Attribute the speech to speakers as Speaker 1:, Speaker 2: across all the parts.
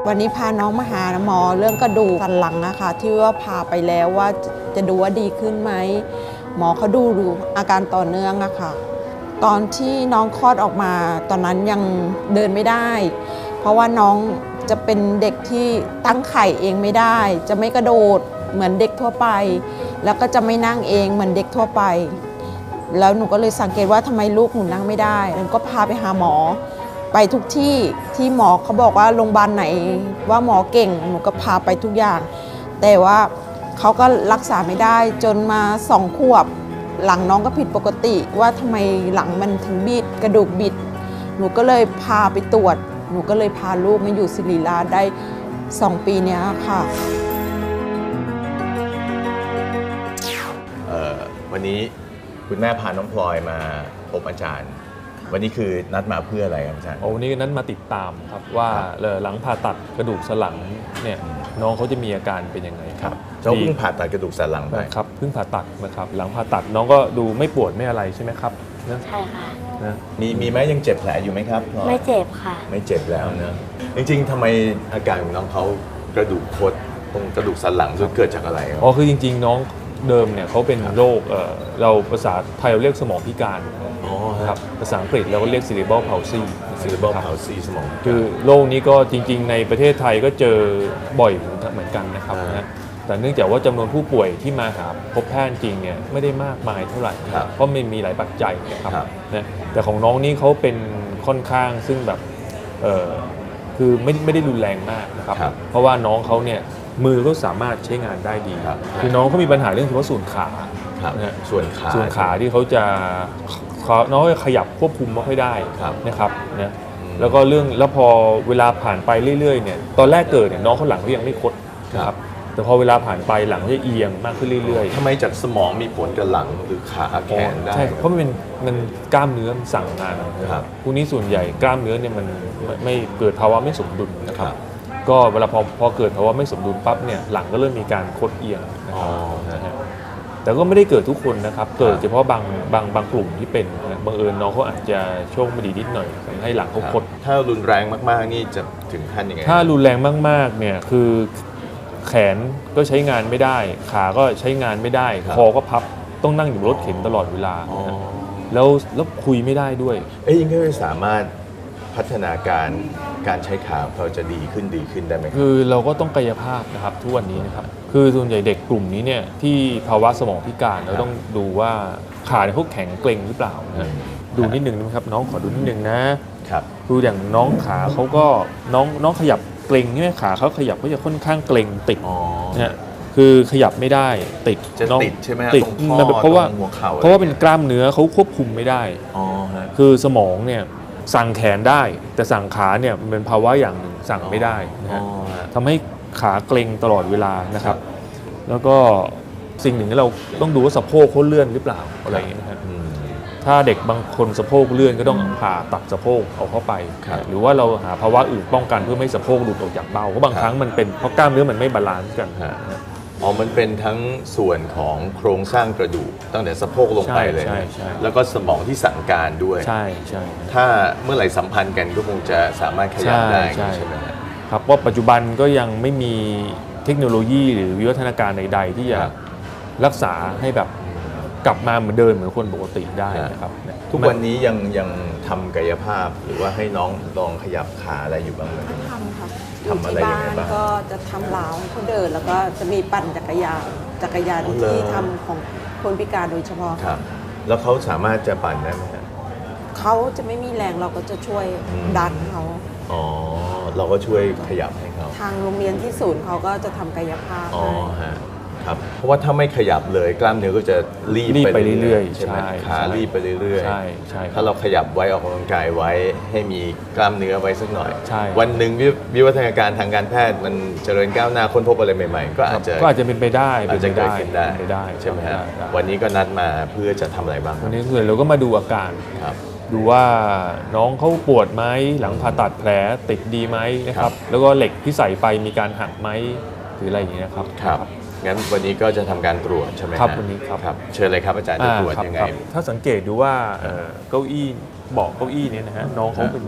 Speaker 1: วันนี้พาน้องมาหาหมอเรื่องกระดูกสันหลังอะค่ะที่ว่าพาไปแล้วว่าจะดูว่าดีขึ้นไหมหมอเขาดูอาการต่อเนื่องอะค่ะตอนที่น้องคลอดออกมาตอนนั้นยังเดินไม่ได้เพราะว่าน้องจะเป็นเด็กที่ตั้งไข่เองไม่ได้จะไม่กระโดดเหมือนเด็กทั่วไปแล้วก็จะไม่นั่งเองเหมือนเด็กทั่วไปแล้วหนูก็เลยสังเกตว่าทำไมลูกหนูนั่งไม่ได้หนูก็พาไปหาหมอไปทุกที่ที่หมอเขาบอกว่าโรงพยาบาลไหนว่าหมอเก่งหนูก็พาไปทุกอย่างแต่ว่าเขาก็รักษาไม่ได้จนมา2 ขวบหลังน้องก็ผิดปกติว่าทำไมหลังมันถึงบิดกระดูกบิดหนูก็เลยพาไปตรวจหนูก็เลยพาลูกมาอยู่ศิริราชได้2 ปีเนี้ยค่ะ
Speaker 2: วันนี้คุณแม่พาน้องพลอยมาพบอาจารย์วันนี้คือนัดมาเพื่ออะไรครับอาจารย์
Speaker 3: วันนี้นั้นมาติดตามครับว่าหลังผ่าตัดกระดูกสันหลังเนี่ยน้องเขาจะมีอาการเป็นยังไงครับ
Speaker 2: เขาเพิ่งผ่าตัดกระดูกสันหลังไป
Speaker 3: ครับเพิ่งผ่าตัดนะครับหลังผ่าตัดน้องก็ดูไม่ปวดไม่อะไรใช่ไหมครับ
Speaker 4: ใช่ค่ะ
Speaker 2: มีไหมยังเจ็บแผลอยู่ไหมครับ
Speaker 4: ไม่เจ็บค่ะ
Speaker 2: ไม่เจ็บแล้วนะจริงๆทำไมอาการของน้องเขากระดูกคดตรงกระดูกสันหลังเกิดจากอะไรครับ
Speaker 3: คือจริงๆน้องเดิมเนี่ยเขาเป็นโรคเราภาษาไทยเราเรียกสมองพิการครับภาษาอังกฤษเราก็เรียก cerebral palsy
Speaker 2: สมอง
Speaker 3: คือโรคนี้ก็จริงๆในประเทศไทยก็เจอบ่อยเหมือนกันนะครับนะแต่เนื่องจากว่าจำนวนผู้ป่วยที่มาหาพบแพทย์จริงเนี่ยไม่ได้มากมายเท่าไหร่เพราะมันมีหลายปัจจัยนะครับนะแต่ของน้องนี่เขาเป็นค่อนข้างซึ่งแบบคือไม่ได้รุนแรงมากนะครับเพราะว่าน้องเขาเนี่ยมือก็สามารถใช้งานได้ดีคือน้องเขามีปัญหาเรื่องเฉพาะส่วนขา
Speaker 2: ส่วน
Speaker 3: ขาที่เขาจะน้องขยับควบคุมไม่ค่อยได้นะครับนะแล้วก็แล้วพอเวลาผ่านไปเรื่อยๆเนี่ยตอนแรกเกิดเนี่ยน้องเขาหลังเขายังไม่คดนะครับแต่พอเวลาผ่านไปหลังเขาจะเอียงมากขึ้นเรื่อย
Speaker 2: ๆทำไมจากสมองมีผลกับหลังหรือขาแขนได้
Speaker 3: ใช่เพราะมันกล้ามเนื้อมันสั่งงานครับพวกนี้ส่วนใหญ่กล้ามเนื้อเนี่ยมันไม่เกิดภาวะไม่สมดุลนะครับก็เวลาพอเกิดภาวะไม่สมดุลปั๊บเนี่ยหลังก็เริ่มมีการคดเอียงนะครับแต่ก็ไม่ได้เกิดทุกคนนะครับเกิดเฉพาะบางกลุ่มที่เป็นบังเอิญน้องเขาอาจจะโชคไม่ดีนิดหน่อยทำให้หลังเขาคด
Speaker 2: ถ้ารุนแรงมากๆนี่จะถึงขั้นยังไง
Speaker 3: ถ้ารุนแรงมากๆเนี่ยคือแขนก็ใช้งานไม่ได้ขาก็ใช้งานไม่ได้คอก็พับต้องนั่งอยู่รถเข็นตลอดเวลาแล้วคุยไม่ได้ด้วย
Speaker 2: ยังไม่สามารถพัฒนาการใช้ขาเขาจะดีขึ้นได้ไหม
Speaker 3: คือเราก็ต้องกายภาพนะครับทุกวันนี้นะครับคือส่วนใหญ่เด็กกลุ่มนี้เนี่ยที่ภาวะสมองพิการเราต้องดูว่าขาเขาแข็งเกร็งหรือเปล่านะดูนิดนึงนะครับน้องขอดูนิดนึงนะครับดูอย่างน้องขาเขาก็น้องขยับเกร็งใช่ไหมขาเขาขยับก็จะค่อนข้างเกร็งติดนะคือขยับไม่ได้ติด
Speaker 2: จะติดใช่ไหม
Speaker 3: ติดเพราะว่าเป็นกล้ามเนื้อเขาควบคุมไม่ได้คือสมองเนี่ยสั่งแขนได้แต่สั่งขาเนี่ยมันเป็นภาวะอย่างหนึ่งสั่งไม่ได้นะฮะทำให้ขาเกร็งตลอดเวลานะครับแล้วก็สิ่งหนึ่งที่เราต้องดูว่าสะโพกเขาเลื่อนหรือเปล่าอะไรอย่างเงี้ยนะครับถ้าเด็กบางคนสะโพกเลื่อนก็ต้องผ่าตัดสะโพกเอาเข้าไปหรือว่าเราหาภาวะอื่นป้องกันเพื่อไม่ให้สะโพกหลุดออกจากเบ้าเพราะบางครั้งมันเป็นเพราะกล้ามเนื้อมันไม่บาลานซ์กัน
Speaker 2: มันเป็นทั้งส่วนของโครงสร้างกระดูกตั้งแต่สะโพกลงไปเลยแล้วก็สมองที่สั่งการด้วย
Speaker 3: ใช่
Speaker 2: ถ้าเมื่อไหร่สัมพันธ์กันก็คงจะสามารถขยับได้ใช่ไหม
Speaker 3: ครับว่าปัจจุบันก็ยังไม่มีเทคโนโลยีหรือวิวัฒนาการใดๆที่จะรักษาให้แบบกลับมาเหมือนเดิมเหมือนคนปกติได้นะครับ
Speaker 2: ทุกวันนี้ยังทำกายภาพหรือว่าให้น้องลองขยับขาอะไรอยู่บ้างไหม
Speaker 1: ทำค่ะ
Speaker 2: ทำอะไรยังไงบ้าง
Speaker 1: ก็จะทำล้าวเขาเดินแล้วก็จะมีปั่นจักรยานที่ทำของคนพิการโดยเฉพาะ
Speaker 2: ครับแล้วเขาสามารถจะปั่นได้ไหมครับ
Speaker 1: เขาจะไม่มีแรงเราก็จะช่วยดันเขา
Speaker 2: เราก็ช่วยขยับให้เขา
Speaker 1: ทางโรงเรียนที่ศูนย์เขาก็จะทำกายภาพ
Speaker 2: ครับเพราะว่าถ้าไม่ขยับเลยกล้ามเนื้อก็จะรีบ
Speaker 3: ไปเรื่อยๆ
Speaker 2: ใช่ไหมขารีบไปเรื่อย
Speaker 3: ๆใช่
Speaker 2: ถ้าเราขยับไว้ออกกำลังกายไว้ให้มีกล้ามเนื้อไว้สักหน่อยวันหนึ่งวิวัฒนาการทางการแพทย์มันเจริญก้าวหน้าค้นพบอะไรใหม่ๆก็อาจจะ
Speaker 3: เป็นไปได้
Speaker 2: อาจจะเกิดขึ้นได้ใช่ไหมครับวันนี้ก็นัดมาเพื่อจะทำอะไรบ้าง
Speaker 3: วันนี้เราก็มาดูอาการดูว่าน้องเขาปวดไหมหลังผ่าตัดแผลติดดีไหมนะครับแล้วก็เหล็กที่ใส่ไปมีการหักไหมหรืออะไรอย่างเงี้ยครับ
Speaker 2: งั้นวันนี้ก็จะทำการตรวจใช่ไหม
Speaker 3: ครับวันนี้
Speaker 2: ครับเชิญเลยครับอาจารย์จะตรวจยังไง
Speaker 3: ถ้าสังเกตดูว่าเก้าอี้เบาะเก้าอี้นี้นะฮะน้องเขาเป็น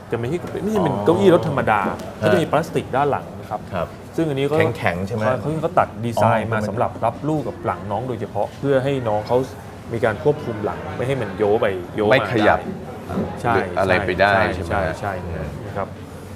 Speaker 3: จะไม่ใช่เป็นเก้าอี้รถธรรมดาเขาจะมีพลาสติกด้านหลังนะครับ
Speaker 2: ครับ
Speaker 3: ซึ่งอันนี้ก็
Speaker 2: แข็งๆใช่ไหม
Speaker 3: เขาตัดดีไซน์มาสำหรับรับลูกกับหลังน้องโดยเฉพาะเพื่อให้น้องเขามีการควบคุมหลังไม่ให้มันโยไปโยมา
Speaker 2: ไม่ขยับ
Speaker 3: ใช่
Speaker 2: หรืออะไรไปได้ใช่ไหม
Speaker 3: ใช่นะครับ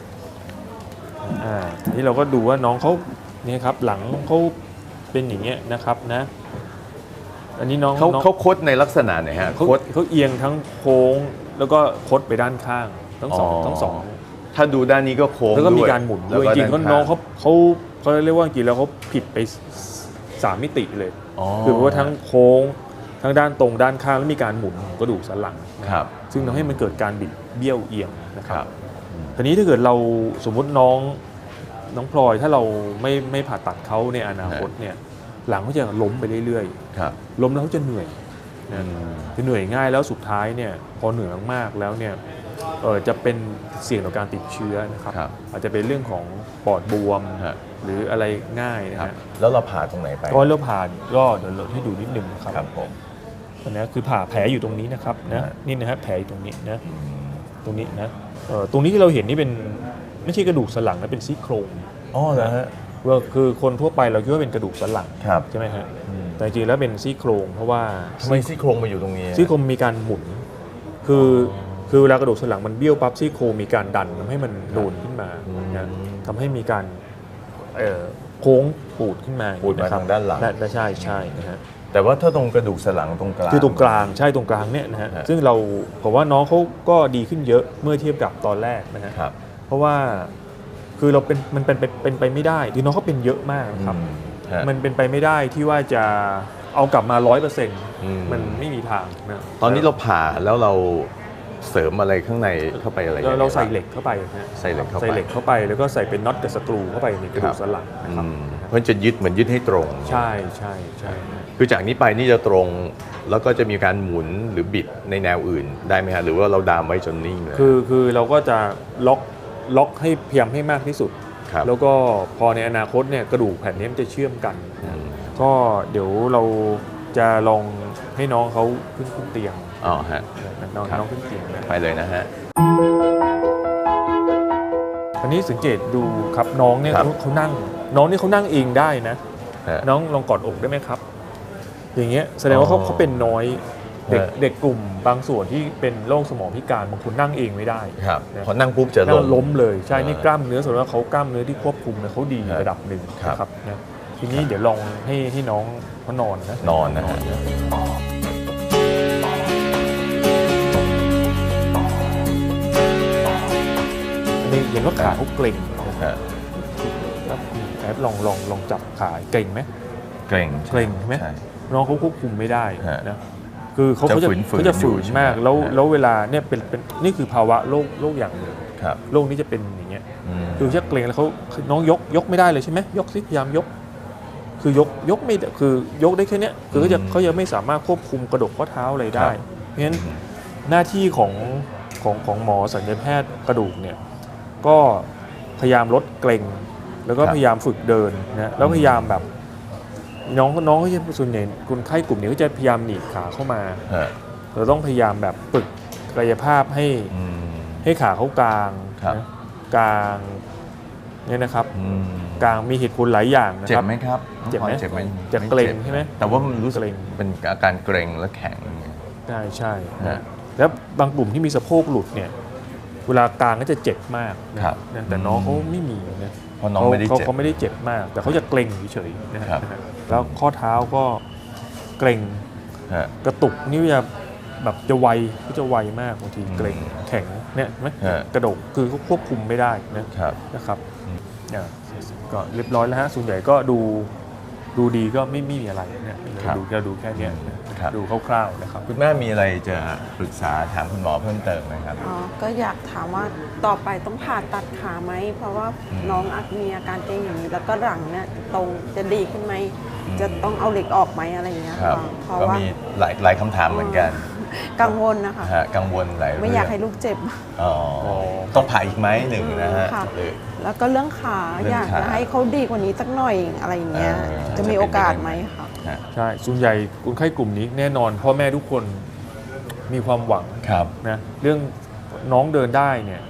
Speaker 3: นี่เราก็ดูว่าน้องเขานี่ครับหลังเขาเป็นอย่างเงี้ยนะครับนะอันนี้น้อง
Speaker 2: เขาคดในลักษณะไหนฮะ
Speaker 3: เขาเอียงทั้งโค้งแล้วก็คดไปด้านข้างทั้งสอง
Speaker 2: ถ้าดูด้านนี้ก็โค้ง
Speaker 3: แล้วก็มี
Speaker 2: ด้วย
Speaker 3: การหมุนด้วยจริงๆน้องเขาเรียกว่าจริงแล้วเขาผิดไป3 มิติเลยคือว่าทั้งโค้งทั้งด้านตรงด้านข้างแล้วมีการหมุนของกระดูกสันหลัง
Speaker 2: ครับ
Speaker 3: ซึ่งทำให้มันเกิดการบิดเบี้ยวเอียงนะครับทีนี้ถ้าเกิดเราสมมุติน้องพลอยถ้าเราไม่ผ่าตัดเขาในอนาคตเนี่ยหลังเขาจะล้มไปเรื่อยๆล้มแล้วเขาจะเหนื่อยจะเหนื่อยง่ายแล้วสุดท้ายเนี่ยพอเหนื่อยมากๆแล้วเนี่ยจะเป็นเสี่ยงต่อการติดเชื้อนะครับอาจจะเป็นเรื่องของปอดบวมหรืออะไรง่ายนะฮะ
Speaker 2: แล้วเราผ่าตรงไหนไป
Speaker 3: ก็เราผ่าก็เดี๋ยวเราให้ดูนิดนึงนะครับ
Speaker 2: ผม
Speaker 3: อันนี้คือผ่าแผลอยู่ตรงนี้นะครับนะนี่นะฮะแผลอยู่ตรงนี้นะตรงนี้นะตรงนี้ที่เราเห็นนี่เป็นไม่ใช่กระดูกสันหลังนะเป็นซี่โครง
Speaker 2: เหรอฮะ
Speaker 3: คือคนทั่วไปเราคิดว่าเป็นกระดูกสันหลังใช่ไหมฮะแต่จริงๆแล้วเป็นซี่โครงเพราะว่า
Speaker 2: ทำไมซี่โครงมาอยู่ตรงนี้
Speaker 3: ซี่โครงมีการหมุนคือเวลากระดูกสันหลังมันเบี้ยวปั๊บซี่โครงมีการดันทำให้มันโดนขึ้นมานะทำให้มีการโค้งปูดขึ้นมา
Speaker 2: ปูดมาทางด้านหลัง
Speaker 3: ใช่นะฮะ
Speaker 2: แต่ว่าถ้าตรงกระดูกสันหลังตรงกลาง
Speaker 3: คือตรงกลางใช่ตรงกลางเนี่ยนะฮะซึ่งเราผมว่าน้องเขาก็ดีขึ้นเยอะเมื่อเทียบกับตอนแรกนะฮะเพราะว่าคือเรามันเป็นไปไม่ได้ที่น้องเขาเป็นเยอะมากครับมันเป็นไปไม่ได้ที่ว่าจะเอากลับมา 100% มันไม่มีทางนะ
Speaker 2: ตอนนี้เราผ่าแล้วเราเสริมอะไรข้างในเข้าไปอะไร
Speaker 3: เราใส่เหล็กเข้าไปนะ
Speaker 2: ใส่เหล็กเข้าไป
Speaker 3: แล้วก็ใส่เป็นน็อตกับสกรูเข้าไปในกระดูกสันหลังนะครับ
Speaker 2: เพราะจะยึดเหมือนยึดให้ตรง
Speaker 3: ใช่
Speaker 2: คือจากนี้ไปนี่จะตรงแล้วก็จะมีการหมุนหรือบิดในแนวอื่นได้ไหมฮะหรือว่าเราดามไว้จนนิ่งเลย
Speaker 3: คือเราก็จะล็อกให้พยายามให้มากที่สุดแล้วก็พอในอนาคตเนี่ยกระดูกแผ่นนี้มันจะเชื่อมกันก็เดี๋ยวเราจะลองให้น้องเขาขึ้นเตียง
Speaker 2: ฮะ
Speaker 3: น้องขึ้นเตียง
Speaker 2: ไปเลยนะฮะ
Speaker 3: อันนี้สังเกตดูครับน้องเนี่ยเขานั่งน้องนี่เขานั่งเองได้นะน้องลองกอดอกได้ไหมครับอย่างเงี้ยแสดงว่าเขาเป็นน้อยเด็กกลุ่มบางส่วนที่เป็นโรคสมองพิการบางคนนั่งเองไม่ได้
Speaker 2: พอนั่งปุ๊บจะ
Speaker 3: ล้มเลยใช่นี่กล้ามเนื้อส่วนว่าเขากล้ามเนื้อที่ควบคุมเนี่ยเขาดีระดับหนึ่งนะครับนะทีนี้เดี๋ยวลองให้น้องเขานอนนะเห็นว่าขาเขาเกร็งแอบลองจับขาเกร็งไหม
Speaker 2: เกร็ง
Speaker 3: ใช่ไหมน้องเขาควบคุมไม่ได้นะคือเขาจะฝืนมากแล้วเวลาเนี่ยเป็นนี่คือภาวะโรคอย่างหนึ่งโรคนี้จะเป็นอย่างเงี้ยคือจะเกร็งแล้วเขาน้องยกไม่ได้เลยใช่ไหมยกสิพยายามยกคือยกไม่คือยกได้แค่นี้คือเขายังไม่สามารถควบคุมกระดูกข้อเท้าอะไรได้เพราะฉะนั้นหน้าที่ของหมอศัลยแพทย์กระดูกเนี่ยก็พยายามลดเกร็งแล้วก็พยายามฝึกเดินนะแล้วพยายามแบบน้องก็จะส่วนใหญ่คนไข้กลุ่มนี้ก็จะพยายามหนีบขาเข้ามาเราต้องพยายามแบบฝึกกายภาพให้ขาเขากลางนะกลางเนี่ยนะครับกลางมีเหตุผลหลายอย่างนะครับ
Speaker 2: เจ็บไหมครับ
Speaker 3: เจ็บไหมจะเกร็งใช่ไหม
Speaker 2: แต่ว่ามันรู้สึกเป็นอาการเกร็งและแข็ง
Speaker 3: ใช่แล้วบางกลุ่มที่มีสะโพกหลุดเนี่ยเวลากลางก็จะเจ็บมากนะแต่น้องเขาไม่มีนะ
Speaker 2: เพราะน้องไม่ได้เจ็บ
Speaker 3: เขาไม่ได้เจ็บมากแต่เขาจะเกร็งเฉยๆนะครับแล้วข้อเท้าก็เกร็งกระตุกนี่จะแบบจะไวมากบางทีเกร็งแข็งเนี่ยไหมกระดูกคือเขาควบคุมไม่ได้นะครับก็เรียบร้อยแล้วฮะส่วนใหญ่ก็ดูดีก็ไม่มีอะไรเนี่ยดูแค่นี้ดูคร่าวๆนะครับ
Speaker 2: คุณแม่มีอะไรจะปรึกษาถามคุณหมอเพิ่มเติมไหมครับ
Speaker 1: ก็อยากถามว่าต่อไปต้องผ่าตัดขาไหมเพราะว่าน้องมีอาการเกร็งอย่างนี้แล้วก็หลังเนี่ยตรงจะดีขึ้นไหมจะต้องเอาเหล็กออกไหมอะไรอย่างเงี้ย
Speaker 2: เพราะว่ามีหลายคำถามเหมือนกัน
Speaker 1: กังวลนะคะ
Speaker 2: กังวลหลายเรื่อง
Speaker 1: ไม่อยากให้ลูกเจ็บ
Speaker 2: ต้องผ่าอีกไหมหนึ่งนะฮะ
Speaker 1: แล้วก็เรื่องขาอยากจะให้เขาดีกว่านี้สักหน่อยอะไรอย่างเงี้ยจะมีโอกาสไหมคะ
Speaker 3: ใช่ส่วนใหญ่คนไข้กลุ่มนี้แน่นอนพ่อแม่ทุกคนมีความหวังนะเรื่องน้องเดินได้เนี่ย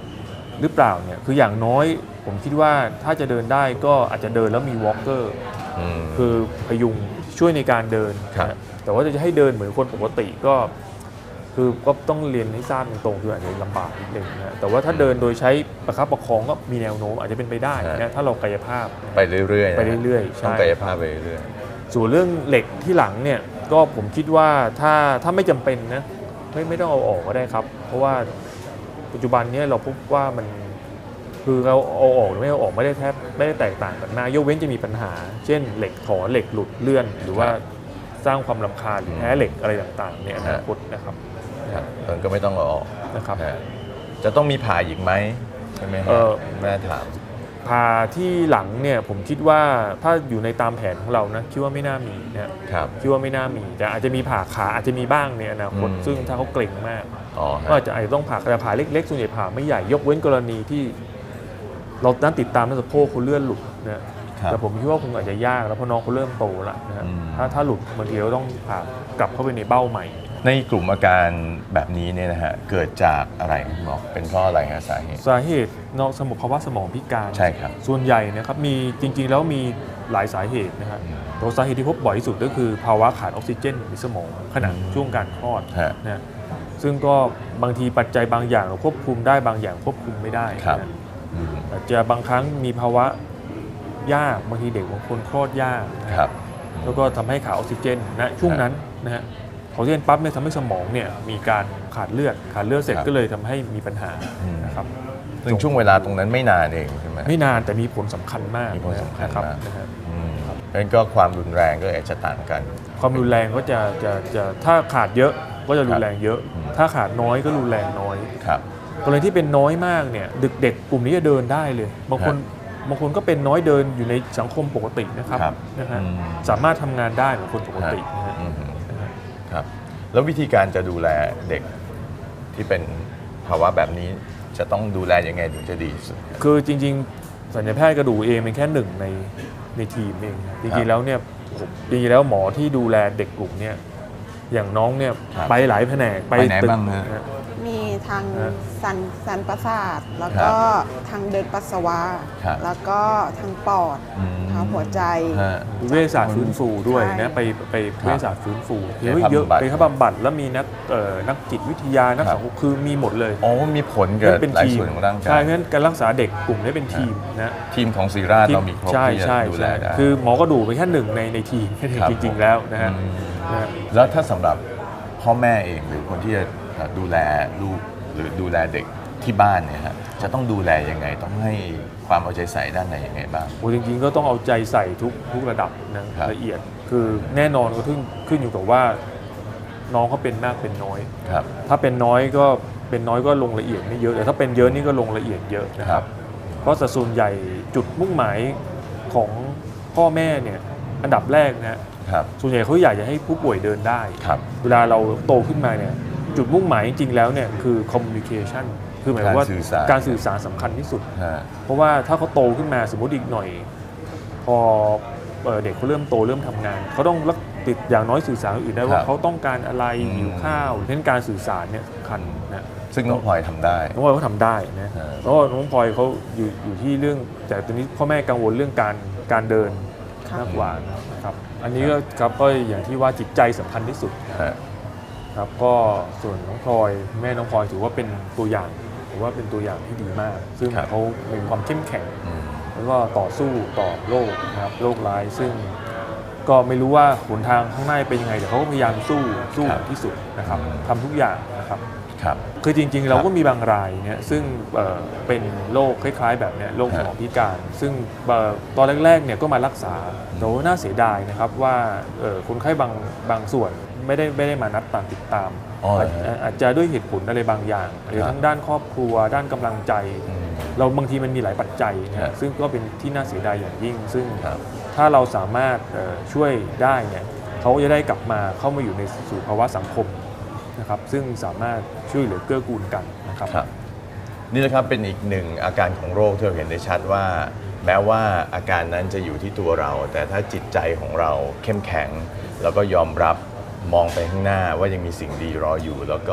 Speaker 3: หรือเปล่าเนี่ยคืออย่างน้อยผมคิดว่าถ้าจะเดินได้ก็อาจจะเดินแล้วมีวอล์กเกอร์คือพยุงช่วยในการเดินนะแต่ว่าจะให้เดินเหมือนคนปกติก็ต้องเรียนให้ทราบตรงๆคืออาจจะลำบากนิดนึงนะแต่ว่าถ้าเดินโดยใช้ประคับประคองก็มีแนวโน้มอาจจะเป็นไปได้นะถ้าเรากายภาพ
Speaker 2: ไปเรื่อยๆต้องกายภาพไปเรื่อย
Speaker 3: ส่วนเรื่องเหล็กที่หลังเนี่ยก็ผมคิดว่าถ้าไม่จำเป็นนะไม่ต้องเอาออกก็ได้ครับเพราะว่าปัจจุบันนี้เราพบว่ามันคือเราเอาออกหรือไม่เอาออกไม่ได้แตกต่างกันมากยกเว้นจะมีปัญหาเช่นเหล็กถอนเหล็กหลุดเลื่อนหรือว่าสร้างความรำคาญหรือแพ้เหล็กอะไรต่างๆเนี่ยอนาคตนะครับ
Speaker 2: มันก็ไม่ต้องเอาออก
Speaker 3: นะครับ
Speaker 2: จะต้องมีผ่าอีกไหมใช่ไหมแม่ถาม
Speaker 3: ผ่าที่หลังเนี่ยผมคิดว่าถ้าอยู่ในตามแผนของเรานะคิดว่าไม่น่ามีนะครับคิดว่าไม่น่ามีแต่อาจจะมีผ่าขาอาจจะมีบ้างในอนาคตซึ่งถ้าเขาเกร็งมากก็อาจจะต้องผ่าแต่ผ่าเล็กๆส่วนใหญ่ผ่าไม่ใหญ่ยกเว้นกรณีที่เรานั้นติดตามนักสะโพกเขาเลื่อนหลุดนะแต่ผมคิดว่าคงอาจจะยากแล้วเพราะน้องเขาเริ่มโตแล้วนะถ้าหลุดบางทีเราต้องผ่ากลับเข้าไปในเบ้าใหม่
Speaker 2: ในกลุ่มอาการแบบนี้เนี่ยนะฮะเกิดจากอะไรหมอเป็นเพราะอะไรฮะสาเหตุ
Speaker 3: นอกสมองภาวะสมองพิการ
Speaker 2: ใช่ครับ
Speaker 3: ส่วนใหญ่นะครับมีจริงๆแล้วมีหลายสาเหตุนะฮะตัวสาเหตุที่พบบ่อยที่สุดก็คือภาวะขาดออกซิเจนในสมองขณะช่วงการคลอดนะซึ่งก็บางทีปัจจัยบางอย่างเราควบคุมได้บางอย่างควบคุมไม่ได้อาจจะบางครั้งมีภาวะยากบางทีเด็กบางคนคลอดยากแล้วก็ทำให้ขาดออกซิเจนนะช่วงนั้นนะฮะออกซิเจนปั๊บเนี่ยทำให้สมองเนี่ยมีการขาดเลือดเสร็จก็เลยทำให้มีปัญหานะครับ
Speaker 2: ซึ่งช่วงเวลาตรงนั้นไม่นานเองใช่ไหม
Speaker 3: ไม่นานแต่มีผลสำคัญมาก
Speaker 2: มีผลสำคัญมากนั่นก็ความรุนแรงก็จะต่างกัน
Speaker 3: ความรุนแรงก็จะถ้าขาดเยอะก็จะรุนแรงเยอะถ้าขาดน้อยก็รุนแรงน้อยกรณีที่เป็นน้อยมากเนี่ยเด็กกลุ่มนี้จะเดินได้เลยบางคนก็เป็นน้อยเดินอยู่ในสังคมปกตินะครับนะฮะสามารถทำงานได้เหมือนคนปกติ
Speaker 2: ครับแล้ววิธีการจะดูแลเด็กที่เป็นภาวะแบบนี้จะต้องดูแลยังไงถึงจะดีสุด
Speaker 3: คือจริงๆศัลยแพทย์กระดูกเองเป็นแค่หนึ่งในทีมเองจริงๆแล้วเนี่ยจริงๆแล้วหมอที่ดูแลเด็กกลุ่มเนี่ยอย่างน้องเนี่ยไปหลายแผนก
Speaker 2: ไปไหนบ้างนะ
Speaker 1: มีทางสันประสาทแล้วก็ทางเดินปัสสาวะแล้วก็ทางปอดทางหัวใจ
Speaker 3: เวชศาสตร์ฟื้นฟูด้วยนะไปเวชศาสตร์ฟื้นฟูเยอะไปเข้าบำบัดแล้วมีนักจิตวิทยานักสังคมคือมีหมดเลย
Speaker 2: อ๋อมีผลกับหลายส่วนของร่างกาย
Speaker 3: ใช่เพราะฉะนั้นการรักษาเด็กกลุ่มนี้เป็นทีมนะ
Speaker 2: ทีมของศิริราชเรามีครบที่จะดูแลได้
Speaker 3: คือหมอกระดูกเป็นแค่หนึ่งในทีมจริงๆแล้วนะฮะ
Speaker 2: แล้วถ้าสำหรับพ่อแม่เองหรือคนที่จะดูแลลูกหรือดูแลเด็กที่บ้านเนี่ยฮะจะต้องดูแลยังไงต้องให้ความเอาใจใส่ด้านไหนยังไงบ้าง
Speaker 3: จริงๆก็ต้องเอาใจใส่ทุกระดับนะละเอียดคือแน่นอนก็ขึ้นอยู่กับว่าน้องเขาเป็นมากเป็นน้อยถ้าเป็นน้อยก็ลงละเอียดไม่เยอะแต่ถ้าเป็นเยอะนี่ก็ลงละเอียดเยอะนะครับเพราะส่วนใหญ่จุดมุ่งหมายของพ่อแม่เนี่ยอันดับแรกนะส่วนใหญ่เขาอยากจะให้ผู้ป่วยเดินได้เวลาเราโตขึ้นมาเนี่ยจุดมุ่งหมายจริงๆแล้วเนี่ยคือ communication คือหมายว่าการสื่อสารสำคัญที่สุดเพราะว่าถ้าเขาโตขึ้นมาสมมติอีกหน่อยพอเด็กเขาเริ่มโตเริ่มทำงานเขาต้องติดอย่างน้อยสื่อสารอื่นได้ว่าเขาต้องการอะไรหิวข้าวเช่นการสื่อสารเนี่ยสำคัญนะ
Speaker 2: ซึ่งน้องพลอยทำได้
Speaker 3: น้องพลอยเขาทำได้นะเพราะน้องพลอยเขาอยู่ที่เรื่องแต่ตอนนี้พ่อแม่กังวลเรื่องการเดินมากกว่านะครับอันนี้ก็อย่างที่ว่าจิตใจสำคัญที่สุดครับก็ส่วนน้องพลอยแม่น้องพลอยถือว่าเป็นตัวอย่างถือว่าเป็นตัวอย่างที่ดีมากซึ่งเขามีความเข้มแข็งแล้วก็ต่อสู้ต่อโรคนะครับโรคร้ายซึ่งก็ไม่รู้ว่าหนทางข้างหน้าเป็นยังไงแต่เขาก็พยายามสู้ที่สุดนะครับทำทุกอย่างนะครับคือจริงๆเราก็มีบางรายเนี่ยซึ่งเป็นโรคคล้ายๆแบบนี้โรคสมองพิการซึ่งตอนแรกๆเนี่ยก็มารักษาแต่ว่าน่าเสียดายนะครับว่าคนไข้บางส่วนไม่ได้มานัดติดตามอาจจะด้วยเหตุผลอะไรบางอย่างหรือทั้งด้านครอบครัวด้านกำลังใจเราบางทีมันมีหลายปัจจัยนะซึ่งก็เป็นที่น่าเสียดายอย่างยิ่งซึ่งถ้าเราสามารถช่วยได้เนี่ยเขาจะได้กลับมาเข้ามาอยู่ในสู่ภาวะสังคมนะครับซึ่งสามารถช่วยเหลือเกื้อกูลกันนะครับ
Speaker 2: นี่นะครับเป็นอีกหนึ่งอาการของโรคที่เราเห็นได้ชัดว่าแม้ว่าอาการนั้นจะอยู่ที่ตัวเราแต่ถ้าจิตใจของเราเข้มแข็งแล้วก็ยอมรับมองไปข้างหน้าว่ายังมีสิ่งดีรออยู่แล้วก็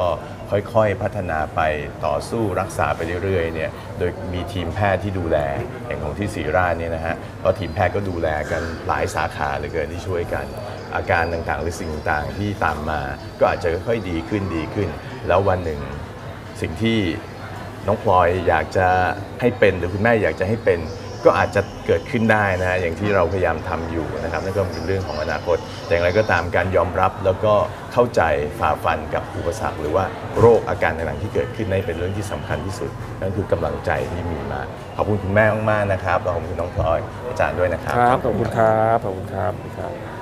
Speaker 2: ค่อยๆพัฒนาไปต่อสู้รักษาไปเรื่อยๆเนี่ยโดยมีทีมแพทย์ที่ดูแลอย่างของที่ศรีราชเนี่ยนะฮะก็ทีมแพทย์ก็ดูแลกันหลายสาขาเหลือเกินที่ช่วยกันอาการต่างๆหรือสิ่งต่างๆที่ตามมาก็อาจจะค่อยๆดีขึ้นแล้ววันหนึ่งสิ่งที่น้องพลอยอยากจะให้เป็นหรือคุณแม่อยากจะให้เป็นก็อาจจะเกิดขึ้นได้นะอย่างที่เราพยายามทำอยู่นะครับนั่นก็เป็นเรื่องของอนาคตแต่อย่างไรก็ตามการยอมรับแล้วก็เข้าใจฝ่าฟันกับอุปสรรคหรือว่าโรคอาการต่างๆที่เกิดขึ้นนั่นเป็นเรื่องที่สำคัญที่สุดนั่นคือกำลังใจที่มีมาขอบคุณคุณแม่มากๆนะครับขอบคุณน้องพลอยอาจารย์ด้วยนะครับ
Speaker 3: ครับขอบคุณครับขอบคุณครับ